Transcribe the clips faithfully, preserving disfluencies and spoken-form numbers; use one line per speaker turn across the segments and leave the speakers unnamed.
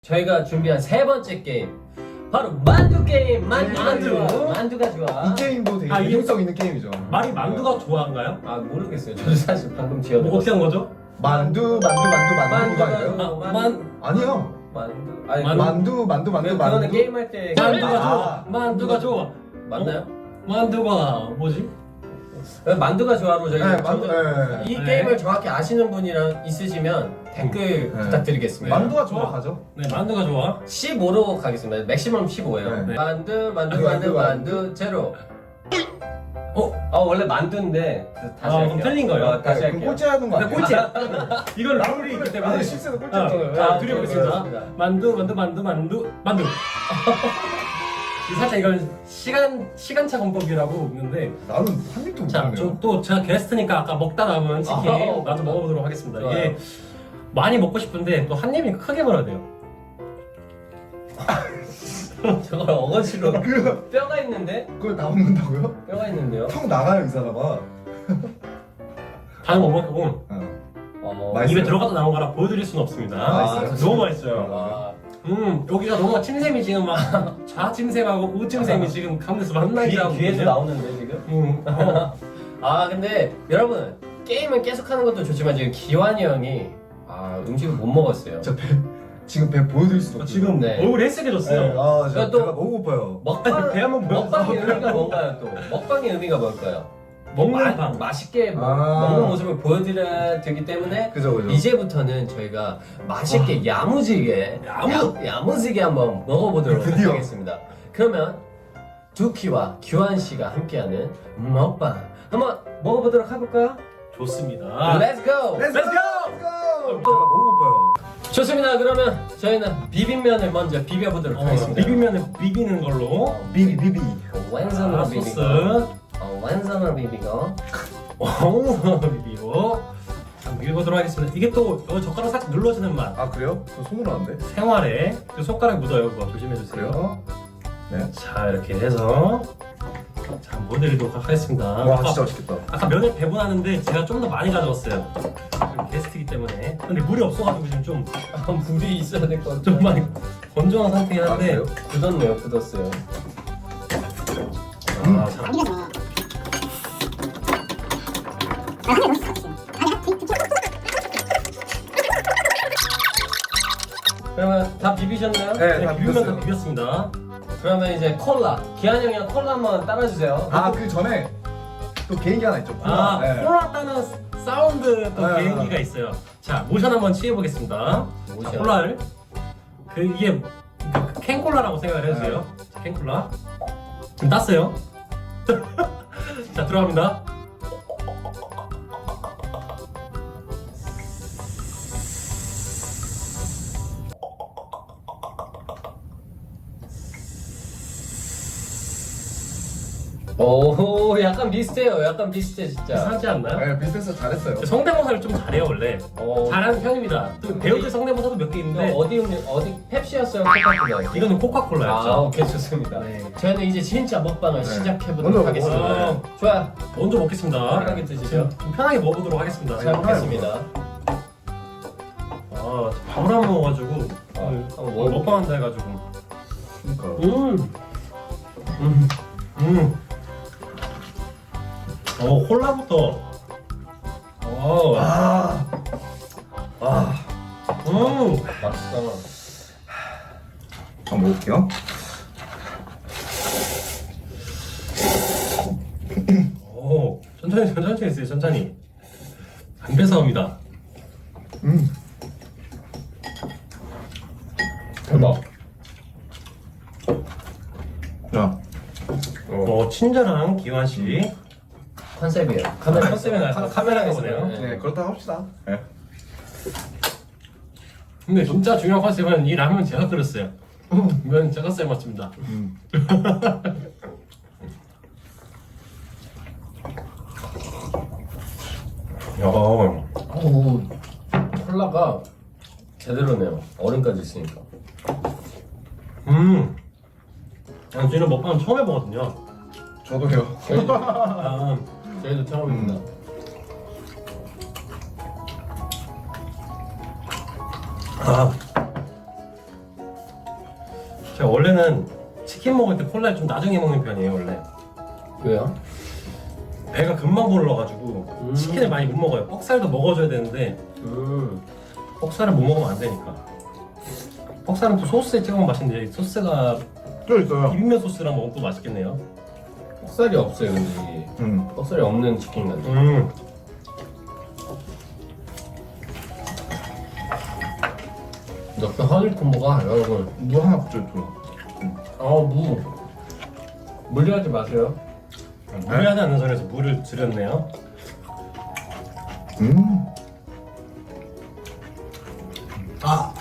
저희가 준비한 세 번째 게임 바로 만두 게임. 만두가
만두.
좋아. 만두가 좋아.
이 게임도 되게
아, 이게-
유용성 있는 게임이죠.
말이 만두가 좋아한가요?
아 모르겠어요. 저도 사실 방금 지어낸
뭐 어떻게 한 거죠?
만두, 만두, 만두, 만두
만두가
아닌가요?
좋아.
아,
만
아니요.
만두. 아니
만-
만두, 만두, 만두,
그-
만두.
그거는 게임할 때
만두가
아.
좋아. 만두가 좋아.
맞나요?
만두가 뭐지?
만두가 좋아로 저희
네, 만두. 네.
이
네.
게임을 정확히 아시는 분이랑 있으시면 댓글
네.
부탁드리겠습니다.
만두가 좋아 가죠.
네, 만두가 좋아.
십오로 가겠습니다. 맥시멈 십오예요.
네.
만두, 만두,
만두,
만두,
만두,
만두, 제로. 어? 아 원래 만두인데 그 다시
아,
할게요.
그럼 틀린 거예요?
어, 다시
네,
할게요.
그럼 꼴찌하는 거
네,
아니에요?
꼴찌야. 이건 룰이 있기 때문에.
아, 실수는 꼴찌.
아,
거예요.
자,
아,
드려보겠습니다.
네, 네, 네.
만두, 만두, 만두, 만두, 만두. 살짝 이건 시간 시간차 공법이라고 있는데,
나는 한 입도 못
자,
먹네요.
좀 또 제가 게스트니까 아까 먹다 남은 치킨
아,
나도 먹어보도록 하겠습니다.
좋아요.
이게 많이 먹고 싶은데 또 한 입이 크게 먹어야 돼요.
저걸 어거지로
그
뼈가 있는데?
그걸 다 먹는다고요?
뼈가 있는데요?
턱 나가요 이 사람아.
다는 못 먹고
어.
어,
맛있어요?
입에 들어가서 나온 거라 보여드릴 수는 없습니다.
아, 맛있어요?
너무 맛있어요.
와,
음, 여기가 너무 침샘이 지금 막 좌침샘하고 우침샘이 지금 가운데서
귀,
만나기라고.
귀에서 나오는데 지금?
음, 어.
아 근데 여러분 게임을 계속 하는 것도 좋지만 지금 기환이 형이 아 음식을 못 먹었어요.
저 배, 지금 배 보여드릴 수도 없고.
지금
네.
얼굴이
네,
헬쓱해졌어요.
아, 저
또-
배가 너무 고파요.
먹방,
배 한번 보여주세요.
먹방의 의미가 뭔가요 또? 먹방의 의미가 뭘까요?
먹는
마-
방.
맛있게 먹,
아.
먹는 모습을 보여드려야 되기 때문에
그죠, 그죠.
이제부터는 저희가 맛있게 야무지게
야무-
야, 야무지게 한번 먹어보도록
드디어.
하겠습니다. 그러면 두키와 규환 씨가 함께하는 먹방 한번 먹어보도록 해볼까요?
좋습니다.
Let's go!
Let's
Let's
go! 배가 너무 고파요.
좋습니다. 그러면 저희는 비빔면을 먼저 비벼보도록
어,
하겠습니다.
비빔면을 비비는 걸로.
비비 비비.
완전으로
아,
비비고
소스.
어, 완전으로 비비고
오, 비비고. 자, 비벼보도록 하겠습니다. 이게 또 어, 젓가락 살짝 눌러지는 맛.
아 그래요? 저 손으로 하는데.
생활에 그 손가락 묻어요. 그거 조심해주세요.
그래요? 네.
자, 이렇게 해서 자, 보여드리도록 하겠습니다.
와
아까,
진짜 맛있겠다.
아까 면을 배분하는데 제가 좀 더 많이 가져왔어요. 지금 게스트이기 때문에. 근데 물이 없어가지고 지금 좀,
아, 물이 있어야 될 것 같아요.
좀 많이 건조한 상태긴
아
한데.
그래요?
굳었네요. 굳었어요.
아, 자.
그러면 다 비비셨나요?
네,
네,
다
비빔면 다
비볐어요.
비볐습니다.
그러면 이제 콜라. 기한 형이랑 콜라 한번 따라주세요.
아 그 전에 또 개인기 하나 있죠.
아,
네.
콜라 따는 사운드 또
네.
개인기가 있어요. 자, 모션 한번 취해보겠습니다.
모션.
자, 콜라를. 그, 이게 그 캔콜라라고 생각을 해주세요. 자, 캔콜라. 지금 땄어요. 자, 들어갑니다.
오, 약간 비슷해요. 약간 비슷해 진짜.
이상하지 않나요?
네 비슷해서 잘했어요.
성대모사를 좀 잘해요, 원래.
어,
잘하는 편입니다. 또 배우들 성대모사도 몇 개
이거
있는데,
어디 음료- 어디 펩시였어요? 코카콜라였어요?
이거는 코카콜라였죠.
아, 오케이 좋습니다.
네.
저희는 이제 진짜 먹방을
네.
시작해
먼저
보도록 하겠습니다.
먹어요.
좋아.
먼저 먹겠습니다.
편하게 드시죠.
좀, 좀 편하게 먹어보도록 하겠습니다.
잘 먹겠습니다.
아, 밥을 안 먹어가지고
아,
오늘
한번 먹어볼게요.
먹방한다 해가지고.
그러니까.
음, 음, 음. 어, 콜라부터. 어,
아. 아.
음.
맛있다.
한번 먹을게요.
오, 천천히, 천천히 했어요, 천천히. 안 배사옵니다.
음.
대박.
자.
어, 친절한 기환 씨.
컨셉이에요. 카메라
컨셉이 나요.
카-
카메라가
컨셉이에요.
보네요.
네 그렇다 합시다. 네.
근데 진짜 중요한 컨셉은 이 라면 제가 끓였어요. 면 제가 삶았습니다.
음.
야,
오, 콜라가 제대로네요. 얼음까지 있으니까.
음. 아, 저희는 먹방 처음 해보거든요.
저도요.
저희,
아,
저희도 처음입니다.
아, 제가 원래는 치킨 먹을 때 콜라를 좀 나중에 먹는 편이에요 원래.
왜요?
배가 금방 불러가지고
음.
치킨을 많이 못 먹어요. 뻑살도 먹어줘야 되는데
음.
뻑살을 못 먹으면 안 되니까. 뻑살은 또 소스에 찍으면 맛있는데 소스가
또 있어요.
비빔면 소스랑 먹으면 또 맛있겠네요.
뻑살이 없어요 근데 이게.
음.
뻑살이 없는 치킨 같아.
음.
역시 허니 콤보가 여러분.
무 하나 붙여 줘.
어 무. 무리하지 마세요.
무리하지 않는 선에서 물을 줄였네요.
음.
아.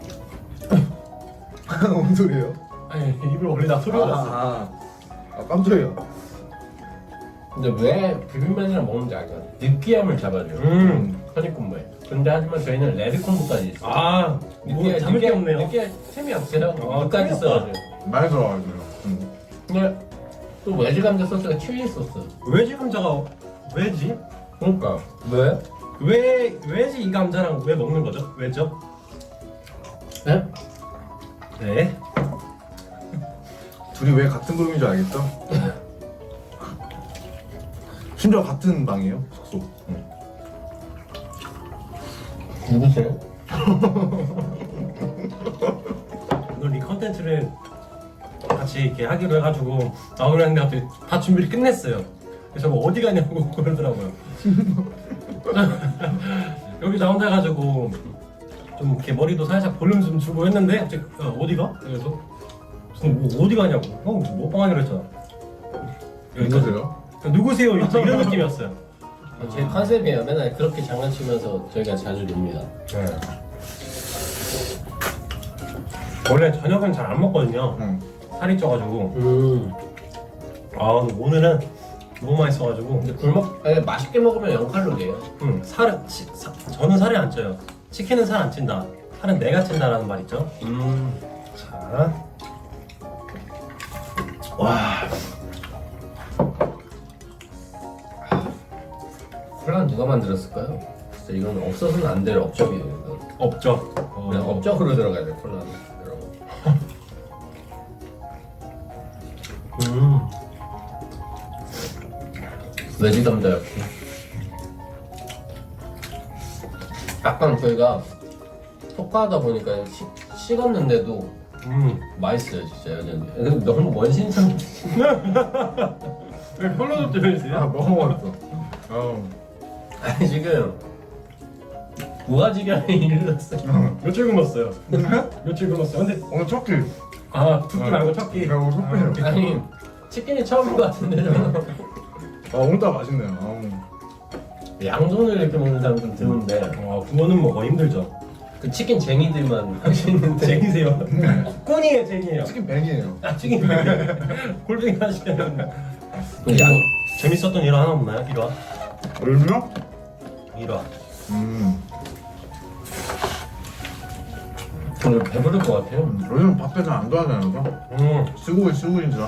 뭔 소리예요?
아니 입을 올리다 소리가 났어.
아, 아 깜짝이야.
근데 왜 비빔면이랑 먹는지 알죠? 느끼함을 잡아줘요.
음.
허니 콤보에. 근데 하지만 저희는 레드 콤보까지 있어요.
아, 뭐 잡을 게 없네요.
느끼할 틈이 없어요.
아,
무까지
틈이
써가지고.
많이 들어가지고요. 음.
근데 또 외지 감자 소스가 칠리 소스.
왜지 감자가 왜지?
그러니까 왜?
왜 왜지 이 감자랑 왜 먹는 거죠? 왜죠?
네?
네.
둘이 왜 같은 그룹인 줄 알겠죠? 심지어 같은 방이에요, 숙소. 응.
누구세요?
오늘 이 컨텐츠를 같이 이렇게 하기로 해가지고 나오려 했는데 갑자기 다 준비를 끝냈어요. 그래서 뭐 어디 가냐고 그러더라고요. 여기 나온다 해가지고 좀 이렇게 머리도 살짝 볼륨 좀 주고 했는데 갑자기 어, 어디가? 그래서 무슨 뭐 어디 가냐고. 형 먹방하기로 했잖아.
누구세요?
누구세요? 이런 이런 느낌이었어요.
제 컨셉이에요. 맨날 그렇게 장난치면서 저희가 자주 놉니다.
네. 원래 저녁은 잘 안 먹거든요.
응.
살이 쪄가지고.
음.
아 근데 오늘은 너무 맛있어가지고.
근데 굶어 아니, 맛있게 먹으면 영 칼로리예요.
음, 살은 치, 사, 저는 살이 안 쪄요. 치킨은 살 안 찐다. 살은 내가 찐다라는 말 있죠.
음.
자, 와,
콜라는 누가 만들었을까요? 진짜 이건 없어서는 안 될 업적이에요. 이거.
없죠. 어,
그냥 업적으로 들어가야 돼 콜라는 여러분.
음,
외지 감자 역시. 약간 저희가 토크하다 보니까 시, 식었는데도
음.
맛있어요 진짜 여전히. 근데 너무 원신상.
왜 콜라도
아,
들어있어요?
먹어봤어. 어.
아니 지금 무아지경에 이르렀어요.
며칠 굶었어요. 며칠 굶었어요. 근데
오늘 첫 끼.
아, 두끼 말고 첫 끼.
야, 오늘 첫 끼예요.
아니 치킨이 처음인 것 같은데 저는.
아, 오늘따라 맛있네요. 아우.
양손을 이렇게 먹는 사람들 드문데
와, 그거는 먹어 힘들죠.
그 치킨 쟁이들만 할 수 있는데.
쟁이세요? 꾼이에요, 쟁이에요.
치킨 뱅이에요.
아, 치킨 골뱅이 하시면.
양
재밌었던 일화 하나 없나요? 일화?
얼마요?
일화.
음.
오늘 배부를 것 같아요.
음, 요즘 밖에 잘 안 좋아하잖아요.
음.
시국이 시국인지라.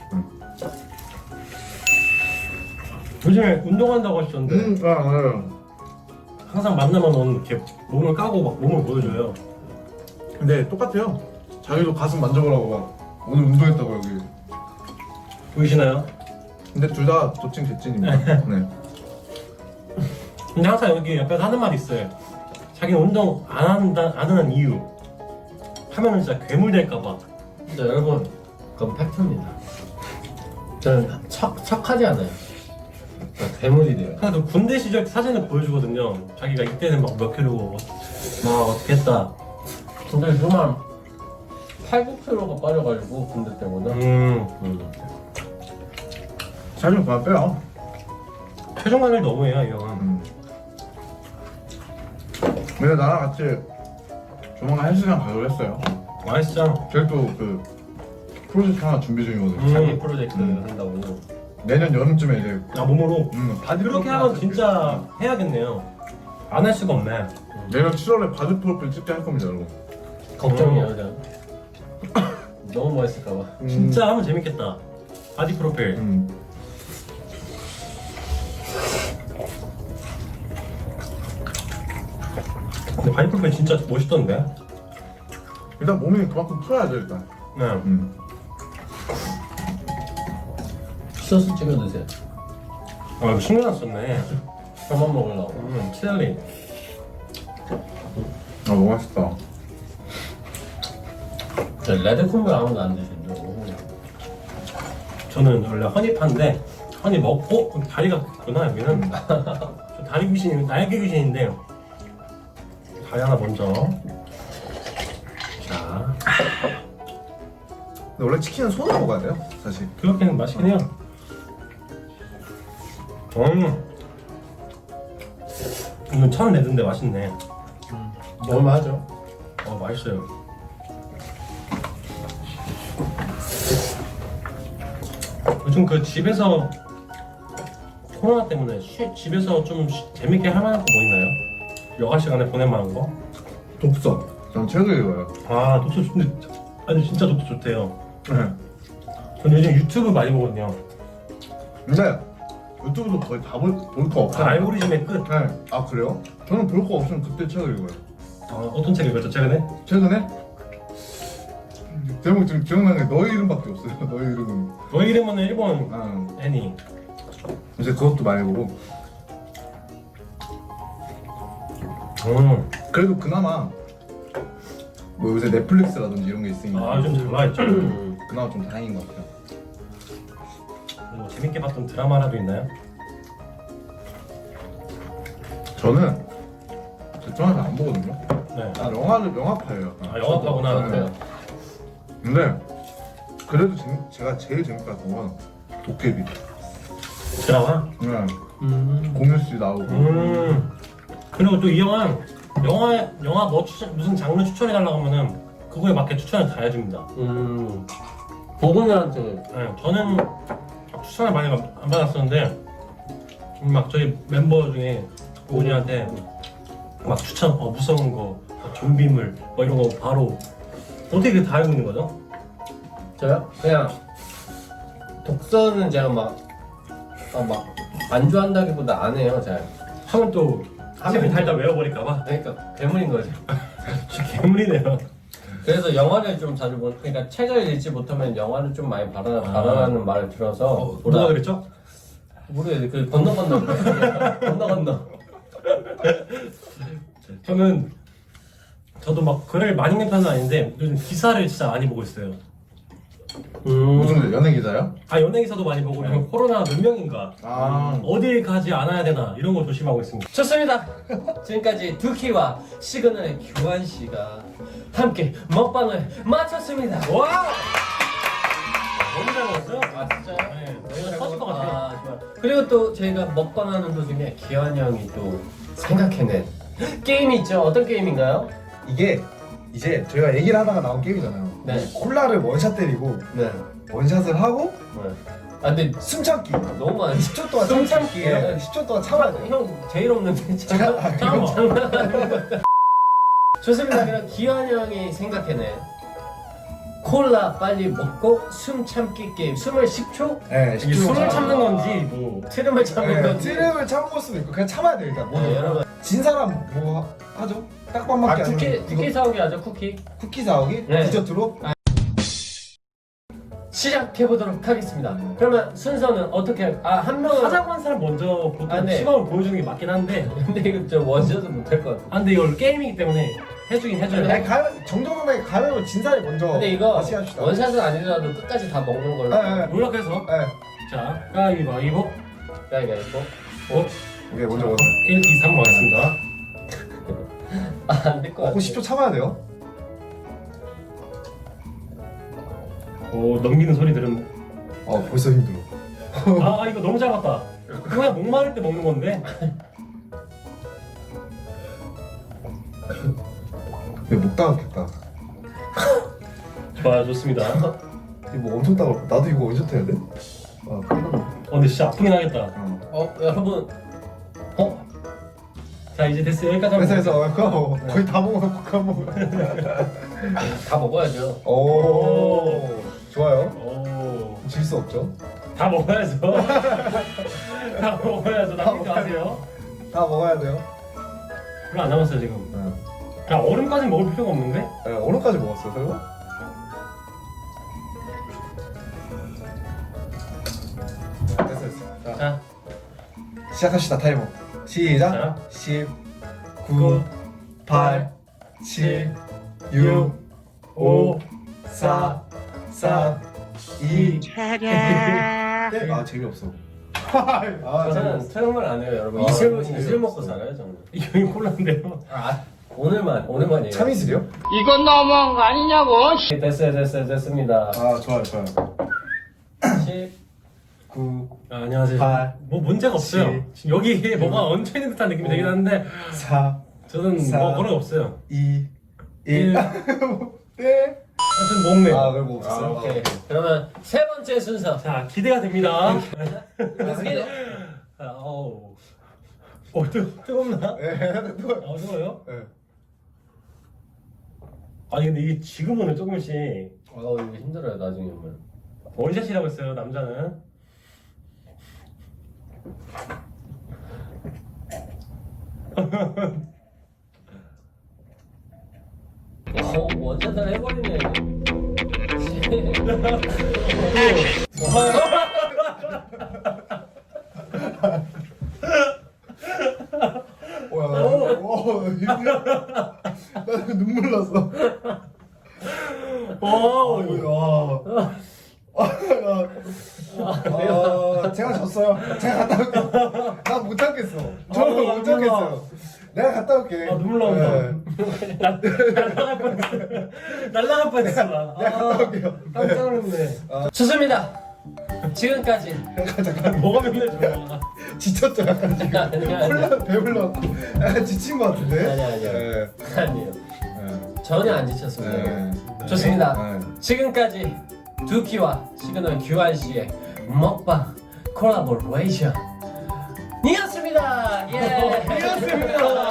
요즘에 운동한다고 하셨는데
음, 아, 맞아요.
항상 만나면 오늘 이렇게 몸을 까고 막 몸을 보여줘요.
근데 똑같아요. 자기도 가슴 만져보라고 막 오늘 운동했다고 여기.
보이시나요?
근데 둘 다 도칭 개찐입니다. 네.
근데 항상 여기 옆에서 하는 말이 있어요. 자기는 운동 안 한다 안 하는 이유. 하면은 진짜 괴물 될까봐.
근데 여러분 그건 팩트입니다. 저는 척, 척하지 않아요. 그러니까 괴물이 돼요.
항상 그 군대 시절 사진을 보여주거든요. 자기가 이때는 막 몇 킬로고 막 어떻게 했다.
근데 정말 팔, 구 킬로가 빠져가지고 군대 때문에.
음.
음.
살 좀 그만 빼요.
체중 관리 너무해요 이 형은.
음. 근데 나랑 같이 조만간 헬스장 가기로 했어요.
맛있죠?
제가 또그 프로젝트 하나 준비 중이거든요.
음.
자기 프로젝트
음.
한다고.
내년 여름쯤에 이제
아 몸으로.
음, 바디
그렇게
프로필
하면
하나
진짜 해야겠네요. 안 할 수가 없네.
내년 칠월에 바디 프로필 찍게 할 겁니다, 여러분.
걱정이에요, 그냥. 너무 멋있을까봐.
음.
진짜 하면 재밌겠다. 바디 프로필.
음.
근데 바디 프로필 진짜 멋있던데.
일단 몸이 그만큼 커야죠 일단.
네.
음.
소스 찍어 드세요.
아 이거 신경 안 썼네.
저만 먹으려고.
음, 칠리.
아 너무 맛있다.
레드 콤보 아무도 안 드시죠?
저는 원래 허니파인데 허니 먹고 어, 다리가 있구나 여기는. 저 다리 귀신, 날개 귀신인데 다리 하나 먼저. 자,
근데 원래 치킨은 손으로 먹어야 돼요, 사실.
그렇게는 맛있긴 해요. 음, 이건 천 레드인데 맛있네.
먹을만 하죠.
어 맛있어요. 요즘 그 집에서 코로나 때문에 쉬, 집에서 좀 쉬- 재밌게 할 만한 거 뭐 있나요? 여가 시간에 보낼 만한 거?
독서. 전 책을 읽어요.
아 독서 근데 아니 진짜 독서 좋대요.
네.
저는 요즘 유튜브 많이 보거든요.
근데 유튜브도 거의 다 볼 거
아,
없어요.
알고리즘의 끝.
네. 아 그래요? 저는 볼 거 없으면 그때 책을 읽어요.
아, 어떤 책 읽었죠 최근에?
최근에 제목 지금 기억나는 게 너의 이름밖에 없어요. 너의 이름은.
너의 이름은 일본
아,
애니.
이제 그것도 많이 보고.
음.
그래도 그나마 뭐 요새 넷플릭스라든지 이런 게 있으니까
아 요즘 잘 나와있죠.
음.
그나마 좀 다행인 것 같아요.
뭐 재밌게 봤던 드라마라도 있나요?
저는 대충 안 보거든요.
네.
아 영화를 영화파예요.
아 영화파구나.
네. 근데 그래도 재밌, 제가 제일 재밌게 봤던 건 도깨비.
드라마?
네.
음.
공유 씨 나오고.
음. 그리고 또 이 영화 영화 영화 뭐 추천 무슨 장르 추천해 달라고 하면은 그거에 맞게 추천을 다 해줍니다.
음. 보고들한테
네, 저는 추천을 많이 안 받았었는데 막 저희 멤버 중에 오은이한테 막 추천 어 무서운 거 어, 좀비물 뭐 이런 거 바로 어떻게 그다 알고 있는 거죠?
저요? 그냥 독서는 제가 막 아, 막 안 좋아한다기보다 안 해요, 잘.
하면 또 책을 달다 외워버릴까봐
그러니까 괴물인 거죠.
괴물이네요.
그래서 영화를 좀 자주 보. 그러니까 책을 읽지 못하면 영화를 좀 많이 봐라 봐라라는 말을 들어서
어, 누가 그랬죠?
모르겠어요. 그 건너 건너 건너 건너.
저는 저도 막 글을 많이 읽는 편은 아닌데 요즘 기사를 진짜 많이 보고 있어요.
음.
무슨 연예 기자요?
아 연예 기사도 많이 보고 그리고 코로나 몇 명인가
아.
어딜 가지 않아야 되나 이런 거 조심하고 있습니다.
좋습니다. 지금까지 두키와 시그널의 교환 씨가 함께 먹방을 마쳤습니다.
와! 너무 잘 먹었어요?
아 진짜요?
네, 저희가 터질 것 같아요.
아, 좋아요. 그리고 또 저희가 먹방하는 도중에 기환이 형이 또 생각해낸 게임이 있죠. 어떤 게임인가요?
이게 이제 저희가 얘기를 하다가 나온 게임이잖아요.
네.
콜라를 원샷 때리고
네.
원샷을 하고
네. 아 근데
숨 참기.
너무 많아.
십 초 동안
숨 참기예요?
네, 십 초 동안 참아야 돼요.
형 제일 없는데
제가- 아,
잠깐
그럼.
장난. 좋습니다. 그럼 기환 형이 생각해낸 콜라 빨리 먹고 숨 참기 게임. 숨을 십 초
네,
이게
십 초
숨을
동안
참는 건지 뭐
트름을 참는
네,
건지.
트름을 참을 수도 있고 그냥 참아야 돼요. 일단 뭐
네, 여러분.
진 사람 뭐 하- 하죠?
아
딱밤밖에 안
쿠키
하는
쿠키 사오기 하죠. 쿠키.
쿠키 사오기
네.
디저트로.
시작해 보도록 하겠습니다. 그러면 순서는 어떻게? 아 한 명은
하자고 한 사람 먼저 보통
아, 네.
시범을 보여주는 게 맞긴 한데
근데 이거 저 원샷은 못할 것 같아.
아 근데 이걸 게임이기 때문에 해주긴 해줘요.
아니 가위 정정당당하게 가위바위보 진 사람이 먼저.
근데 이거
다시 합시다.
원샷은 아니더라도 끝까지 다 먹는 걸로.
네, 네.
노력해서
네.
자 가위바위보
가위바위보.
어?
오케이 먼저 먼저.
일, 이, 삼 가겠습니다.
아안될 것 같아.
어, 십 초 참아야 돼요.
오 넘기는 소리 들으면
어 벌써 힘들어.
아, 아 이거 너무 잘 봤다. 그냥 목마를 때 먹는 건데
근데 못 따갑겠다.
좋아요 좋습니다.
이거 뭐 엄청 따갑고 나도 이거 원샷 해야 돼? 아 끝났네.
어 근데 진짜 아프긴 하겠다.
어.
어 여러분
어? 자 이제 됐어요 여기까지 하면
회사에서 그거 뭐 거의 다 먹어놓고 그거 먹어.
다 먹어야죠.
오 좋아요.
오,
질 수 없죠.
다 먹어야죠. 다 먹어야죠. 남기지 마세요.
다 먹어야 돼요.
별로 안 남았어요 지금.
네.
그냥 얼음까지 먹을 필요가 없는데?
네, 얼음까지 먹었어요 설마?
자,
시작합시다 타이머. 시작.
자.
십, 구, 팔, 칠, 육, 오, 사, 삼, 이. 네. 아 재미없어. 아
저는 수영을 안 해요, 여러분.
아,
이슬
너무
이슬 먹고
재미없어.
살아요, 저는.
이거 콜라인데요.
아, 오늘만 오늘만이에요.
참이슬이요?
이건 너무한 거 아니냐고.
됐어요, 됐어요, 됐습니다.
아 좋아요 좋아요.
십,
구,
아, 안녕하세요.
팔,
뭐 문제가 없어요.
칠,
지금 여기에 뭐가 얹혀 있는 듯한 느낌이 되긴 하는데
사,
저는
사.
뭐 그런 거 없어요.
이,
일.
일. 네.
아, 저는 먹네요.
아 그럼 뭐
아,
없었어요.
오케이. 그러면 세 번째 순서.
자, 기대가 됩니다.
Let's get it.
아, 어우. 어, 뜨, 뜨겁나?
네. 또.
아, 뜨거워요?
네.
아니, 근데 이게 지금은 조금씩
아, 이거 힘들어요, 나중에 보면.
원샷이라고 했어요, 남자는.
어, 원샷을 해버리네.
오야. 오 힘들어. 나 눈물 났어.
오,
아, 아, 아, 제가 졌어요. 제가 갔다 올게요. 나 못 참겠어. 저는
아,
못 참겠어요. 내가 갔다 올게.
아, 눈물 나온다.
네.
날- 날라갈 뻔했어. 날라갈 뻔했어. 나.
내가 갔다 올게요.
깜짝 놀랐네.
좋습니다. 지금까지.
뭐가 맨날 좋아.
지쳤죠 약간 지금.
아니, 아니.
콜라 배불러갖고 약간 지친 것 같은데.
아니, 아니요.
네.
아니에요.
네.
전혀 안 지쳤습니다.
네.
좋습니다.
네.
지금까지 두키와 시그널 규환 씨의 먹방 콜라보레이션 이었습니다. 예, 이었습니다.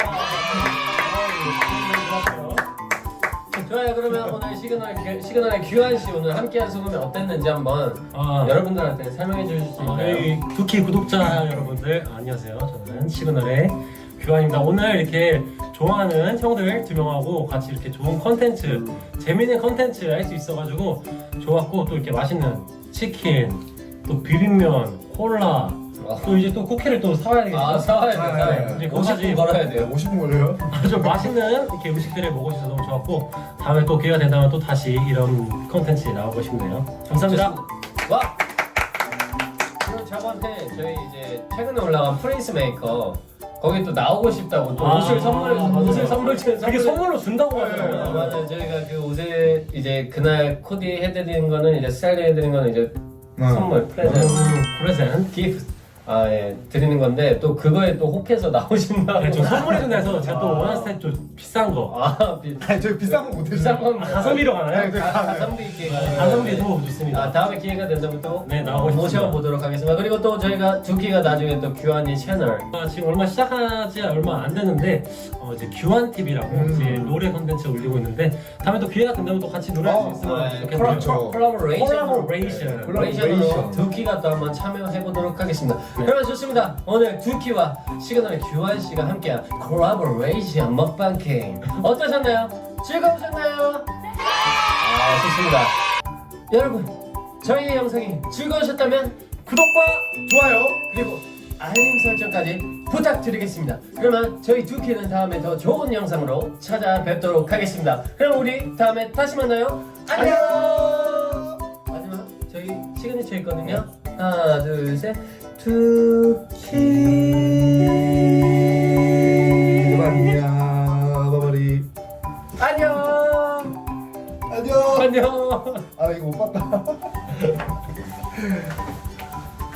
좋아요. 그러면 오늘 시그널 규- 시그널의 규환 씨 오늘 함께한 소감이 어땠는지 한번
아,
여러분들한테 설명해 주실 수
아,
있나요?
여기 두키 구독자 여러분들 안녕하세요. 저는 시그널의 규환입니다. 오늘 이렇게 좋아하는 형들 두 명하고 같이 이렇게 좋은 컨텐츠, 재밌는 컨텐츠 할 수 있어가지고 좋았고 또 이렇게 맛있는 치킨, 또 비빔면, 콜라, 또 이제 또 쿠키를 또 사와야 되겠죠.
아, 사와야 돼.
아,
사와야
예,
돼.
예.
오십 분 걸어야 돼요.
오십 분 걸려요?
아주 맛있는 이렇게 음식들을 먹을 수 있어서 너무 좋았고 다음에 또 기회가 된다면 또 다시 이런 컨텐츠 나오고 싶네요. 감사합니다.
와. 그리고 저번에 저희 이제 최근에 올라간 프린스 메이커 거기 또 나오고 싶다고 또
아,
옷을 선물
맞아요.
옷을 선물 주
그게 선물로 준다고
아,
하더라고요.
맞아요. 저희가 그 옷을 이제 그날 코디 해드리는 거는 이제 스타일링 해드리는 거는 이제 선물 프레젠트
음, 프레젠트.
기프트 아 예 드리는 건데 또 그거에 또 혹해서 나오신다고.
네, 저 선물해 준다해서 제가 또 원하는 스타일 좀 비싼 거.
아 비,
아니 저희 비싼 거 못해요.
비싼 건
가성비로 가나요?
네,
가- 가성비 있게 가는
가성비도 좋습니다.
아 다음에 기회가 된다면 또
네, 나오고 싶습니다.
모셔보도록 하겠습니다. 그리고 또 저희가 두키가 나중에 또 규환이 채널
아, 지금 얼마 시작하지 얼마 안 됐는데 어, 이제 규환 티비라고
음.
이제 노래 컨텐츠 올리고 있는데 다음에 또 기회가 된다면 또 같이 노래할 수
어,
있으면
아,
좋겠네요.
그렇죠.
콜라보레이션
콜라보레이션.
콜라보레이션으로 두키가 또 한번 참여해보도록 하겠습니다. 그러면 좋습니다. 오늘 두키와 시그널의 규환 씨가 함께한 콜라보레이션 먹방 게임 어떠셨나요? 즐거우셨나요? 아 좋습니다. 여러분 저희의 영상이 즐거우셨다면 구독과
좋아요.
그리고 알림 설정까지 부탁드리겠습니다. 그러면 저희 두키는 다음에 더 좋은 영상으로 찾아뵙도록 하겠습니다. 그럼 우리 다음에 다시 만나요. 안녕. 마지막 저희 시그니처 있거든요. 하나 둘 셋. 두키.
안녕. 바바리.
안녕.
안녕.
안녕.
아 이거 못 봤다.